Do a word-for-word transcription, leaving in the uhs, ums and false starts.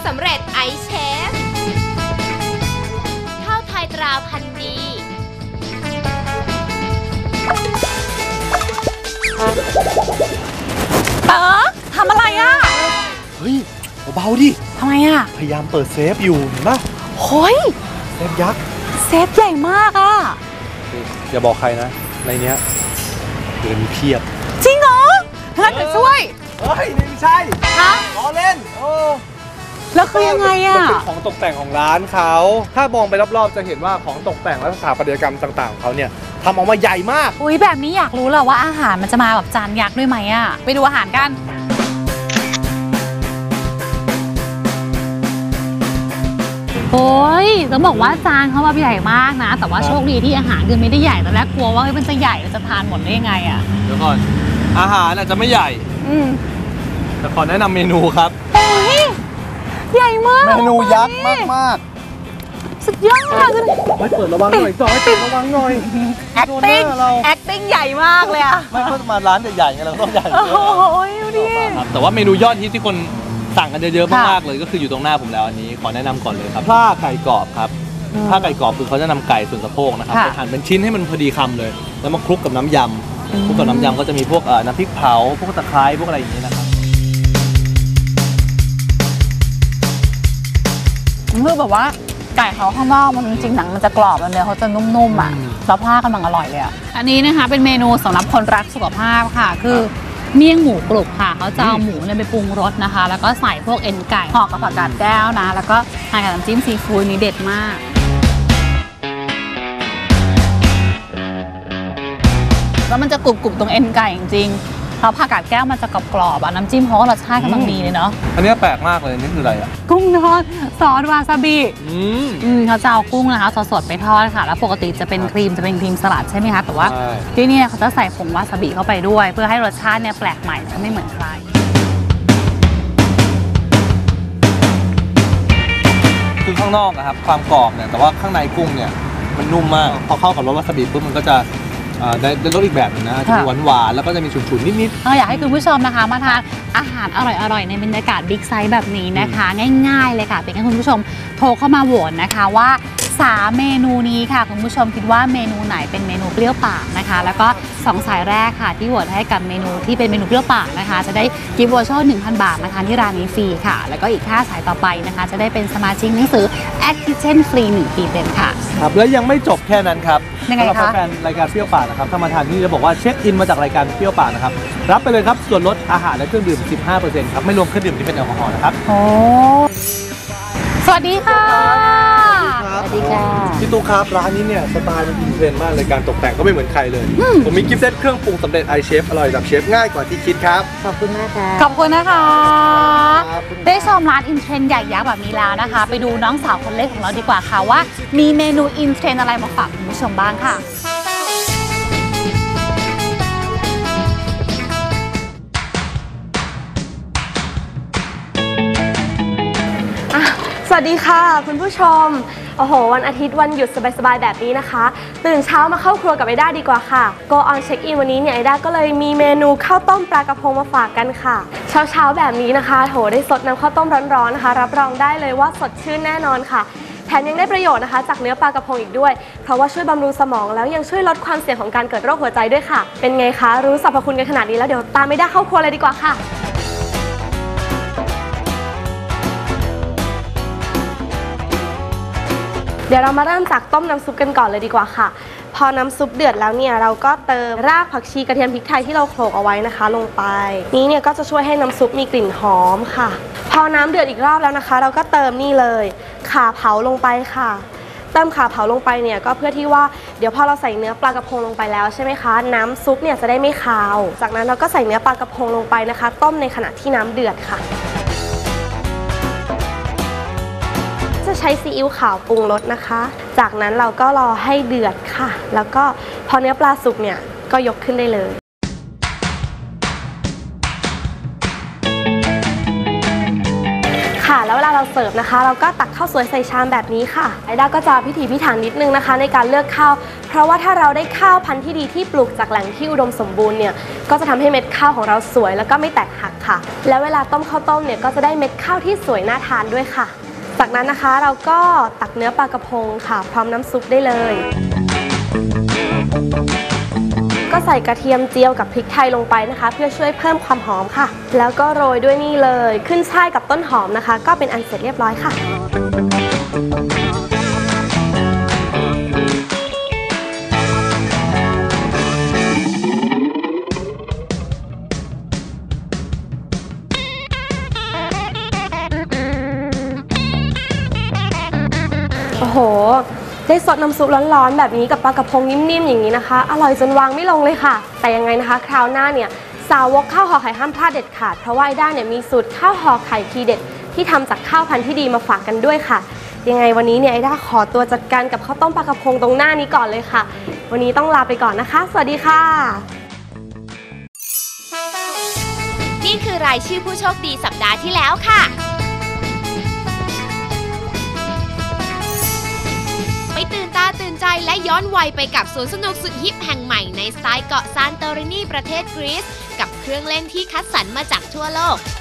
สำเร็จไอเชฟข้าวไทยตราพันธุ์ดีเต๋อทำอะไรอ่ะเฮ้ยเบาๆดิทำไมอ่ะพยายามเปิดเซฟอยู่เห็นปะโฮ้ยเซฟยักษ์เซฟใหญ่มากอ่ะอย่าบอกใครนะในเนี้ยเงินเพียบจริงเหรองั้นเดี๋ยวช่วยเฮ้ยไม่ใช่ฮะล้อเล่นโอ้แล้วคือยังไงอ่ะเป็นของตกแต่งของร้านเขาถ้ามองไปรอบๆจะเห็นว่าของตกแต่งและสถาปัตยกรรมต่างๆของเขาเนี่ยทำออกมาใหญ่มากอุ้ยแบบนี้อยากรู้เลยว่าอาหารมันจะมาแบบจานยักษ์ด้วยไหมอ่ะไปดูอาหารกันโอ้ยต้องบอกว่าจานเขาแบบใหญ่มากนะแต่ว่าโชคดีที่อาหารคือไม่ได้ใหญ่ตอนแรกกลัวว่ามันจะใหญ่จะทานหมดได้ยังไงอ่ะเดี๋ยวก่อนอาหารอาจจะไม่ใหญ่อืมแต่ขอแนะนำเมนูครับโอ้ยใหญ่มากเมนูยักษ์มากมากสุดยอดเลยไม่เปิดระวังหน่อยจอยเปิดระวังหน่อย acting acting ใหญ่มากเลยอะไม่เพิ่งมาร้านใหญ่ๆไงเราต้องใหญ่โอ้ยดูดิแต่ว่าเมนูยอดฮิตที่คนสั่งกันเยอะๆมากๆเลยก็คืออยู่ตรงหน้าผมแล้วอันนี้ขอแนะนำก่อนเลยครับผ้าไก่กรอบครับผ้าไก่กรอบคือเขาจะนำไก่ส่วนสะโพกนะครับไปหั่นเป็นชิ้นให้มันพอดีคำเลยแล้วมาคลุกกับน้ำยำคลุกกับน้ำยำก็จะมีพวกน้ำพริกเผาพวกตะไคร้พวกอะไรอย่างนี้นะครับคือแบบว่าไก่เขาข้างนอกมันจริงๆหนังมันจะกรอบแล้วเนื้อเขาจะนุ่มๆอ่ะแล้วผ้ากำลังอร่อยเลยอ่ะอันนี้นะคะเป็นเมนูสำหรับคนรักสุขภาพค่ะคือเมี่ยงหมูกรุบค่ะเขาจะเอาหมูเนี่ยไปปรุงรสนะคะแล้วก็ใส่พวกเอ็นไก่ห่อกับผักกาดแก้วนะแล้วก็ทานกับน้ำจิ้มซีฟู้ดนี้เด็ดมากแล้วมันจะกรุบๆตรงเอ็นไก่จริงๆแล้วผักกาดแก้วมันจะกรอบๆอ่ะน้ำจิ้มเขาก็รสชาติกำลังดีเลยเนาะอันนี้แปลกมากเลยนี่คืออะไรอ่ะกุ้งทอดซอสวาซาบิอืมอืมเขาจะเอากุ้งนะคะสดๆไปทอดค่ะแล้วปกติจะเป็นครีมจะเป็นครีมสลัดใช่ไหมคะแต่ว่าที่นี่เขาจะใส่ผงวาซาบิเข้าไปด้วยเพื่อให้รสชาติเนี่ยแปลกใหม่จะไม่เหมือนใครคือข้างนอกนะครับความกรอบเนี่ยแต่ว่าข้างในกุ้งเนี่ยมันนุ่มมากพอเข้ากับรสวาซาบิปุ๊บมันก็จะได้รสอีกแบบนึงนะจะมีหวานหวานแล้วก็จะมีฉุนๆนิดๆอยากให้คุณผู้ชมนะคะมาทานอาหารอร่อยๆในบรรยากาศบิ๊กไซส์แบบนี้นะคะง่ายๆเลยค่ะเป็นให้คุณผู้ชมโทรเข้ามาโหวตนะคะว่าสามเมนูนี้ค่ะคุณผู้ชมคิดว่าเมนูไหนเป็นเมนูเปรี้ยวปากนะคะแล้วก็สองสายแรกค่ะที่โหวตให้กับเมนูที่เป็นเมนูเปรี้ยวปากนะคะจะได้กิฟต์วอเชอร์ หนึ่งพัน บาทนะคะที่ร้านนี้ฟรีค่ะแล้วก็อีกห้าสายต่อไปนะคะจะได้เป็นสมาชิกหนังสือ At Kitchen ฟรีหนึ่งปีเต็มค่ะครับและยังไม่จบแค่นั้นครับยังไงคะแฟนรายการเปรี้ยวปากนะครับถ้ามาทานที่จะบอกว่าเช็คอินมาจากรายการเปรี้ยวปากนะครับรับไปเลยครับส่วนลดอาหารและเครื่องดื่ม สิบห้าเปอร์เซ็นต์ ครับไม่รวมเครื่องดื่มที่เป็นแอลกอฮอล์นะครับโอ้สวัสดีค่ะสวัสดีค่ะพี่ตุ๊กครับร้านนี้เนี่ยสไตล์มันอินเทรนด์มากเลยการตกแต่งก็ไม่เหมือนใครเลยผมมีกิฟต์เซตเครื่องปรุงสำเร็จไอเชฟอร่อยแบบเชฟง่ายกว่าที่คิดครับขอบคุณมากค่ะขอบคุณนะคะได้ชมร้านอินเทรนด์ใหญ่ยักษ์แบบนี้แล้วนะคะไปดูน้องสาวคนเล็กของเราดีกว่าค่ะว่ามีเมนูอินเทรนด์อะไรมาฝากคุณผู้ชมบ้างค่ะสวัสดีค่ะคุณผู้ชมโอ้โหวันอาทิตย์วันหยุดสบายๆแบบนี้นะคะตื่นเช้ามาเข้าครัวกับไอด้าดีกว่าค่ะ Go on check in วันนี้เนี่ยไอด้าก็เลยมีเมนูข้าวต้มปลากระพงมาฝากกันค่ะเช้าๆแบบนี้นะคะโถได้สดน้ำข้าวต้มร้อนๆนะคะรับรองได้เลยว่าสดชื่นแน่นอนค่ะแถมยังได้ประโยชน์นะคะจากเนื้อปลากระพงอีกด้วยเพราะว่าช่วยบำรุงสมองแล้วยังช่วยลดความเสี่ยงของการเกิดโรคหัวใจด้วยค่ะเป็นไงคะรู้สรรพคุณกันขนาดนี้แล้วเดี๋ยวตามไอด้าเข้าครัวเลยดีกว่าค่ะเดี๋ยวเรามาเริ่มจากต้มน้ำซุปกันก่อนเลยดีกว่าค่ะพอน้ำซุปเดือดแล้วเนี่ยเราก็เติมรากผักชีกระเทียมพริกไทยที่เราโขลกเอาไว้นะคะลงไปนี้เนี่ยก็จะช่วยให้น้ำซุปมีกลิ่นหอมค่ะพอน้ำเดือดอีกรอบแล้วนะคะเราก็เติมนี่เลยข่าเผาลงไปค่ะเติมข่าเผาลงไปเนี่ยก็เพื่อที่ว่าเดี๋ยวพอเราใส่เนื้อปลากระพงลงไปแล้วใช่ไหมคะน้ำซุปเนี่ยจะได้ไม่คาวจากนั้นเราก็ใส่เนื้อปลากระพงลงไปนะคะต้มในขณะที่น้ำเดือดค่ะจะใช้ซีอิ๊วขาวปรุงรสนะคะจากนั้นเราก็รอให้เดือดค่ะแล้วก็พอเนื้อปลาสุกเนี่ยก็ยกขึ้นได้เลยค่ะแล้วเวลาเราเสิร์ฟนะคะเราก็ตักข้าวสวยใส่ชามแบบนี้ค่ะไอด้าก็จะพิถีพิถันนิดนึงนะคะในการเลือกข้าวเพราะว่าถ้าเราได้ข้าวพันธุ์ที่ดีที่ปลูกจากแหล่งที่อุดมสมบูรณ์เนี่ยก็จะทำให้เม็ดข้าวของเราสวยแล้วก็ไม่แตกหักค่ะแล้วเวลาต้มข้าวต้มเนี่ยก็จะได้เม็ดข้าวที่สวยน่าทานด้วยค่ะจากนั้นนะคะเราก็ตักเนื้อปลากระพงค่ะพร้อมน้ำซุปได้เลยก็ใส่กระเทียมเจียวกับพริกไทยลงไปนะคะเพื่อช่วยเพิ่มความหอมค่ะแล้วก็โรยด้วยนี่เลยขึ้นฉ่ายกับต้นหอมนะคะก็เป็นอันเสร็จเรียบร้อยค่ะโอ้โหได้สดน้ำซุปร้อนๆแบบนี้กับปลากระพงนิ่มๆอย่างนี้นะคะอร่อยจนวางไม่ลงเลยค่ะแต่ยังไงนะคะคราวหน้าเนี่ยสาวกข้าวห่อไข่ห้ามพลาดเด็ดขาดเพราะว่าไอด้าเนี่ยมีสูตรข้าวห่อไข่ทีเด็ดที่ทำจากข้าวพันธุ์ที่ดีมาฝากกันด้วยค่ะยังไงวันนี้เนี่ยไอด้าขอตัวจัดการกับข้าวต้มปลากระพงตรงหน้านี้ก่อนเลยค่ะวันนี้ต้องลาไปก่อนนะคะสวัสดีค่ะนี่คือรายชื่อผู้โชคดีสัปดาห์ที่แล้วค่ะไปตื่นตาตื่นใจและย้อนวัยไปกับสวนสนุกสุดฮิปแห่งใหม่ในสไตล์เกาะซานโตรินีประเทศกรีซกับเครื่องเล่นที่คัดสรรมาจากทั่วโลก